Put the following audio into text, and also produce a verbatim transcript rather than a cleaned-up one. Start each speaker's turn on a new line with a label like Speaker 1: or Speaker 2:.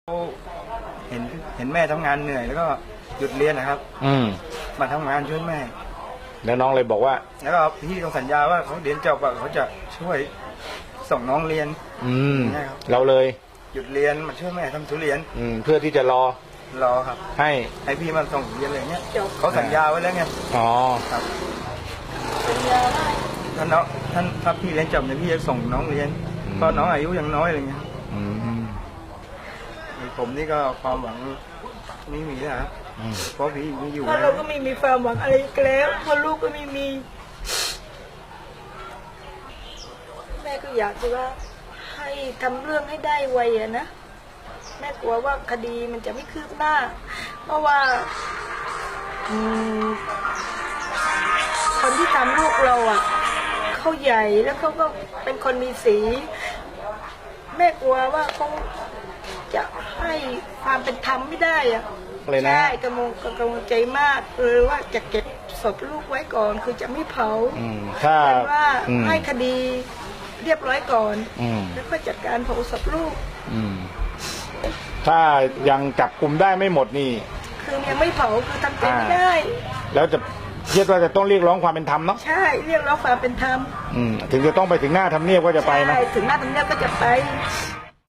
Speaker 1: เห็นเห็นแม่ทำงานเหนื่อยแล้วก็หยุดเรียนนะครับ
Speaker 2: อืม
Speaker 1: มาทำงานช่วยแม่
Speaker 2: แล้วน้องเลยบอกว่า
Speaker 1: แล้วก็พี่เขาสัญญาว่าเขาเรียนจบอะเขาจะช่วยส่งน้องเรียน
Speaker 2: อืม
Speaker 1: นะครับ
Speaker 2: เราเลย
Speaker 1: หยุดเรียนมาช่วยแม่ทำทุเรียน
Speaker 2: อืมเพื่อที่จะรอ
Speaker 1: รอครับ
Speaker 2: ให้
Speaker 1: ให้พี่มาส่งเรียนอะไรเงี้ยเขาสัญญาไว้แล้วไง
Speaker 2: อ๋อ
Speaker 1: ครับถ้าน้องท่านถ้าพี่เรียนจบเนี่ยพี่จะส่งน้องเรียนเพราะน้องอายุยังน้อยอะไรเงี้ย
Speaker 2: อืม
Speaker 1: ผมนี่ก็ความหวังไม่มีแล้วครับ
Speaker 2: อืม
Speaker 1: เพราะพี่ไม่อยู่
Speaker 3: เพราะ
Speaker 1: แล้
Speaker 3: เรา
Speaker 1: ว
Speaker 3: ก็ไม่มีความหวังอะไรอีกแล้วเพราะลูกก็ไม่มี แม่ก็อยากจะว่าให้ทำเรื่องให้ได้ไวอะนะแม่กลัวว่าคดีมันจะไม่คืบหน้า เพราะว่าอืมคนที่ทำลูกเราอ่ะเขาใหญ่แล้วเขาก็เป็นคนมีสี แม่กลัวว่าเขาจะให้ความเป็นธรรมไม่ได้อ่ะ
Speaker 2: เลยนะ
Speaker 3: ใช่กังวลกังวลใจมากเลยว่าจะเก็บศพลูกไว้ก่อนคือจะไม่เผา
Speaker 2: อืมถ้า
Speaker 3: แต่ว่า
Speaker 2: อืม
Speaker 3: ให้คดีเรียบร้อยก่อน
Speaker 2: อืม
Speaker 3: แล้วก็จัดการเผาศพลูก
Speaker 2: อืมถ้ายังจับกลุ่มได้ไม่หมดนี่
Speaker 3: คือยังไม่เผาคือทำใจไม่ได้
Speaker 2: แล้วจะคิดว่าจะต้องเรียกร้องความเป็นธรรมเนาะ
Speaker 3: ใช่เรียกร้องความเป็นธรรม
Speaker 2: อืมถึงจะต้องไปถึงหน้าทำเนียบก็จะไปนะ
Speaker 3: ใช่ถึงหน้าทำเนียบก็จะไป